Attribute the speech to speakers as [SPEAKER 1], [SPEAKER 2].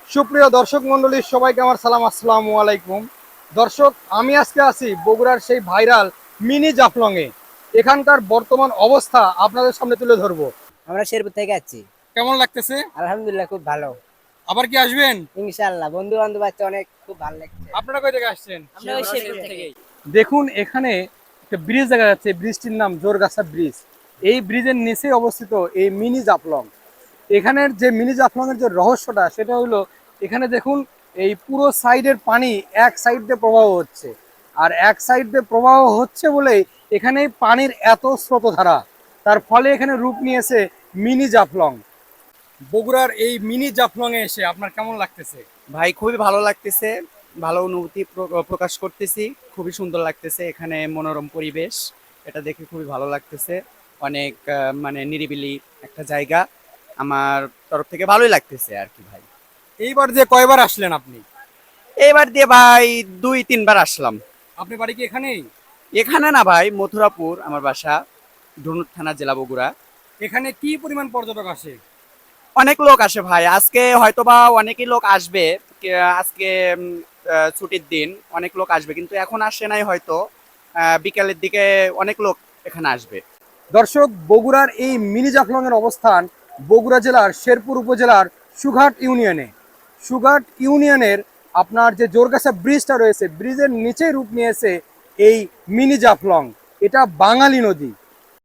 [SPEAKER 1] সুপ্রিয় দর্শক মণ্ডলী সবাইকে আমার সালাম, আসসালামু আলাইকুম। দর্শক, আমি আজকে আছি বগুড়ার সেই ভাইরাল মিনি জাফলংয়ে। এখানকার বর্তমান অবস্থা আপনাদের সামনে তুলে ধরবো।
[SPEAKER 2] আমরা শেরপুর থেকে যাচ্ছি।
[SPEAKER 1] কেমন লাগতেছে?
[SPEAKER 2] আলহামদুলিল্লাহ, খুব ভালো।
[SPEAKER 1] আবার কি আসবেন?
[SPEAKER 2] ইনশাআল্লাহ, বন্ধু বান্ধব আছে অনেক, খুব ভালো লাগছে।
[SPEAKER 1] আপনারা কই থেকে আসছেন?
[SPEAKER 2] আমরা ওই শেরপুর থেকে।
[SPEAKER 1] দেখুন, এখানে একটা ব্রিজ দেখা যাচ্ছে, ব্রিজটির নাম জোরগাছা ব্রিজ। এই ব্রিজের নিচে অবস্থিত এই মিনি জাফলং। এখানের যে মিনি জাফলংয়ের যে রহস্যটা সেটা হলো, এখানে দেখুন, এই পুরো সাইডের পানি এক সাইড দিয়ে প্রবাহ হচ্ছে, আর এক সাইড দিয়ে প্রবাহ হচ্ছে বলেই এখানে পানির এত স্রোতধারা। তার ফলে এখানে রূপ নিয়েছে মিনি জাফলং। বগুড়ার এই মিনি জাফলংয়ে এসে আপনার কেমন লাগতেছে?
[SPEAKER 3] ভাই খুবই ভালো লাগতেছে, ভালো অনুভূতি প্রকাশ করতেছি। খুবই সুন্দর লাগতেছে, এখানে মনোরম পরিবেশ, এটা দেখে খুবই ভালো লাগতেছে। অনেক মানে নিরিবিলি একটা জায়গা, আমার তরফ থেকে ভালোই লাগতেছে আর কি ভাই।
[SPEAKER 1] এইবার যে কয়বার আসলেন আপনি?
[SPEAKER 3] এবার দিয়ে ভাই 2-3 বার আসলাম।
[SPEAKER 1] আপনি বাড়ি কি এখানেই?
[SPEAKER 3] এখানে না ভাই, মথুরাপুর আমার বাসা, ধনুক থানা, জেলা বগুড়া।
[SPEAKER 1] এখানে কি পরিমাণ পর্যটক আসে?
[SPEAKER 3] অনেক লোক আসে ভাই, আজকে হয়তোবা অনেকই লোক আসবে। আজকে ছুটির দিন, অনেক লোক আসবে, কিন্তু এখন আসে নাই হয়তো। বিকালের দিকে অনেক লোক এখানে আসবে।
[SPEAKER 1] দর্শক, বগুড়ার এই মিনি জাফলংয়ের অবস্থান বগুড়া জেলার শেরপুর উপজেলার সুঘাট ইউনিয়নে। সুঘাট ইউনিয়নের আপনার যে জোরগাছা ব্রিজটা রয়েছে, ব্রিজের নিচেই রূপ নিয়েছে এই মিনি জাফলং। এটা বাঙালি নদী।